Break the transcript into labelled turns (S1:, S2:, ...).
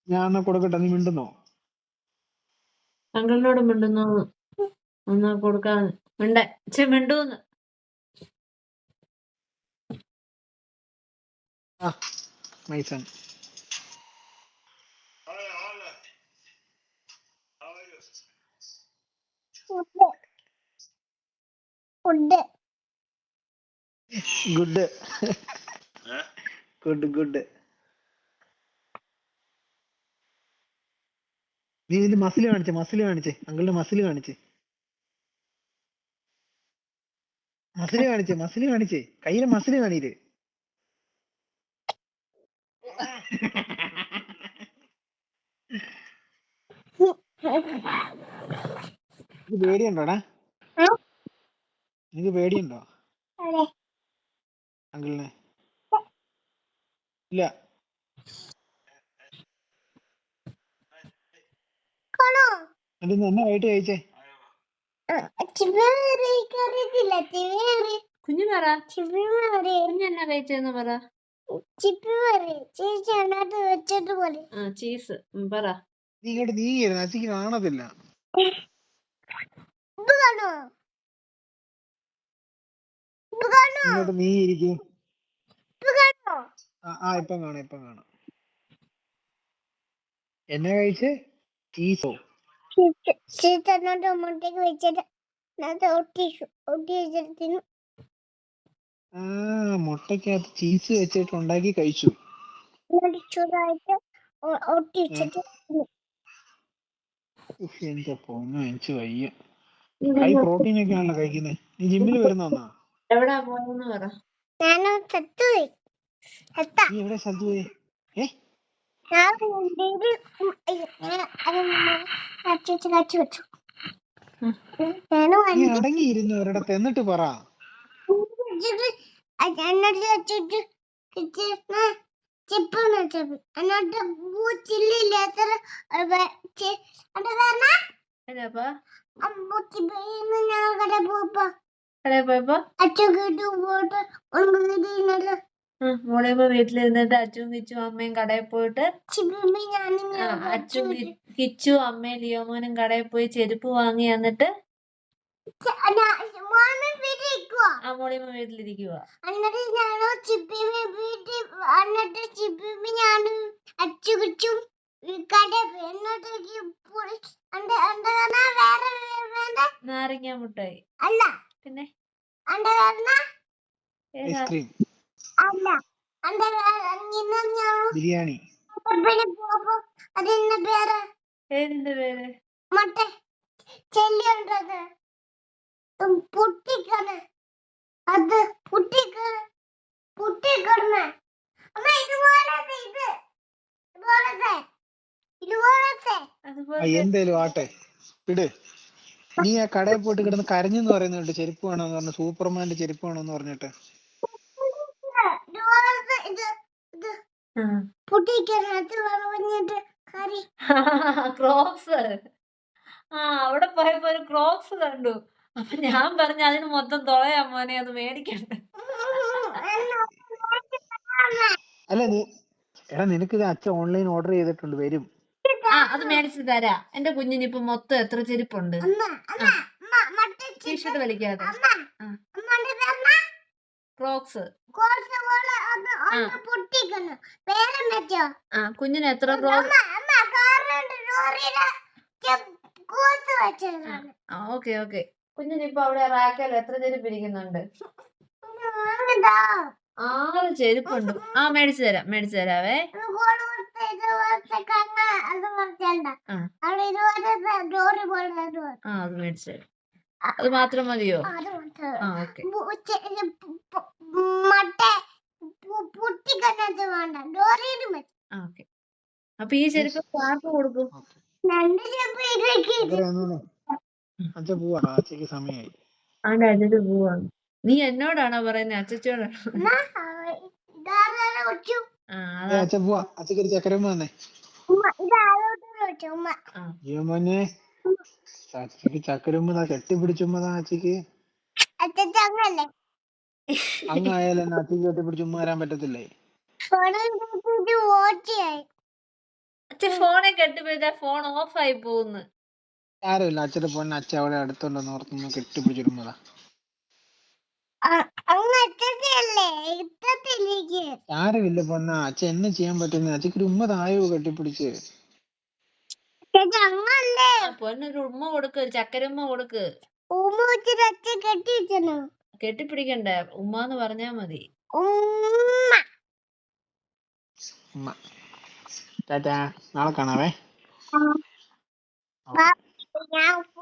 S1: ഞാൻ എന്നാ കൊടുക്കട്ടെ, നീ മിണ്ടുന്നോ?
S2: അങ്കിളിനോട് മിണ്ടുന്നു ഒന്ന് കൊടുക്കാൻ മിണ്ടൂന്ന്.
S1: ആ my son. Good good good. നീ ഇതിന്റെ മസിൽ കാണിച്ചേ അങ്കിളിന്റെ മസിൽ കാണിച്ചേ കയ്യിലെ മസിൽ കാണിയില്ലേ? നിനക്ക് പേടിയുണ്ടോടാ? നിനക്ക് പേടിയുണ്ടോ അങ്കിളിനെ? ഇല്ല. എന്നിട്ട് എന്നാ വൈകിട്ട് കഴിച്ചേ?
S2: കുഞ്ഞു പറ, കുഞ്ഞെന്നാ കഴിച്ചെന്ന് പറ. ചീസ് പറ.
S1: നീ ഇങ്ങോട്ട് നീങ്ങിയിരുന്നു, അച്ഛക്ക് കാണത്തില്ല. ഇങ്ങോട്ട് നീങ്ങിയിരിക്കും. ഇപ്പം കാണാം. എന്നാ കഴിച്ചേ? ചീസോ? മുട്ടക്കകത്ത് ചീസ് വെച്ചിട്ട് ഉണ്ടാക്കി കഴിച്ചു. എന്റെ പൊന്നോ, എനിക്ക് വയ്യ. ഹൈ പ്രോട്ടീൻ ഒക്കെ ആണല്ലോ കഴിക്കുന്നത്. നീ ജിമ്മിൽ വരുന്നോന്നാ?
S2: എവിടാ പോയെന്ന് പറ.
S1: നീ എവിടെ സ്ഥലത്ത് പോയി? നീ അടങ്ങിയിരുന്നു ഒരിടത്ത്, എന്നിട്ട് പറ.
S2: മോളിയമ്മ വീട്ടിലിരുന്നിട്ട് അച്ഛനും കിച്ചും അമ്മയും കടയിൽ പോയിട്ട്, അച്ഛൻ കിച്ചു അമ്മയും ലിയോമോനും കടയിൽ പോയി ചെരുപ്പ് വാങ്ങി. എന്നിട്ട് മോളിയമ്മ വീട്ടിലിരിക്കുക. നാരങ്ങ മുട്ടായി അല്ല, പിന്നെ
S1: ഐസ്ക്രീം, ബിരിയാണി.
S2: ഏതിന്റെ പേര്?
S1: എന്തേലും ആട്ടെ, ഇട്. നീ ആ കടയിൽ പോയിട്ട് കിടന്ന് കരഞ്ഞെന്ന് പറയുന്നുണ്ട്, ചെരുപ്പ് വേണമെന്ന് പറഞ്ഞു, സൂപ്പർമാന്റെ ചെരുപ്പ് വേണമെന്ന് പറഞ്ഞിട്ട്.
S2: ക്രോക്സ്. അവിടെ പോയപ്പോ ഒരു ക്രോക്സ് കണ്ടു. അപ്പൊ ഞാൻ പറഞ്ഞു അതിന് മൊത്തം തുളയാ മോനെ, അത് മേടിക്കണ്ട.
S1: അല്ല നിനക്ക് ഇത് അച്ഛൻ ഓൺലൈൻ ഓർഡർ ചെയ്തിട്ടുണ്ട്, വരും.
S2: അത് മേടിച്ചു തരാ. എന്റെ കുഞ്ഞിന് ഇപ്പൊ മൊത്തം എത്ര ചെരുപ്പുണ്ട്? T shirt വലിക്കാതെ Crocs. കുഞ്ഞിന് എത്ര ക്രോക്സ്? ഓക്കെ. കുഞ്ഞിന് ഇപ്പൊ അവിടെ റാക്കൽ എത്ര ചെരുപ്പ് ഇരിക്കുന്നുണ്ട്? 6 ചെരുപ്പുണ്ട്. മേടിച്ചു തരാവേ. അത് മേടിച്ചു തരാം. അത് മാത്രം മതിയോ? ഓക്കെ. അപ്പൊ ഈ ചെരുപ്പ് ആർക്ക് കൊടുക്കും?
S1: അച്ഛൻ പോവാണ്, അച്ഛക്ക് സമയമായി.
S2: അച്ഛൻ പോവാണ്. നീ എന്നോടാണോ പറയുന്നത്, അച്ഛനോടാണോ?
S1: അച്ഛൻ പോവാ, അച്ഛക്ക് ഒരു ചക്കരമ്മ തന്നെ. മോനെ, അച്ഛക്ക് ചക്കരമ്മ കെട്ടിപ്പിടിച്ചുമ്മതാ. അച്ഛക്ക് അങ്ങായാലും അച്ഛക്ക് കെട്ടിപ്പിടിച്ചുമ്മ വരാൻ പറ്റത്തില്ലേ?
S2: അച്ഛൻ ഫോണെ കെട്ടിപ്പിടിച്ചാ ഫോൺ ഓഫ് ആയി പോകുന്നു.
S1: ആരുമില്ല അച്ഛന്റെ പൊന്നെ അച്ഛൻ അവളെ അടുത്തുണ്ടെന്ന് ഓർത്തൊന്ന് കെട്ടിപ്പിടിച്ചിടുന്നതാ. ആരുമില്ല പൊന്ന അച്ഛൻ എന്നെ ചെയ്യാൻ പറ്റുന്ന അച്ഛക്ക് ഒരു ഉമ്മ തായോ കെട്ടിപ്പിടിച്ച്.
S2: പൊന്നൊരു ഉമ്മ കൊടുക്ക്, ചക്കരുമ്മ കൊടുക്ക്. കെട്ടിപ്പിടിക്കണ്ട, ഉമ്മാന്ന് പറഞ്ഞാ മതി.
S1: ഉമ്മ. ടാറ്റാ, നാളെ കാണാവേ.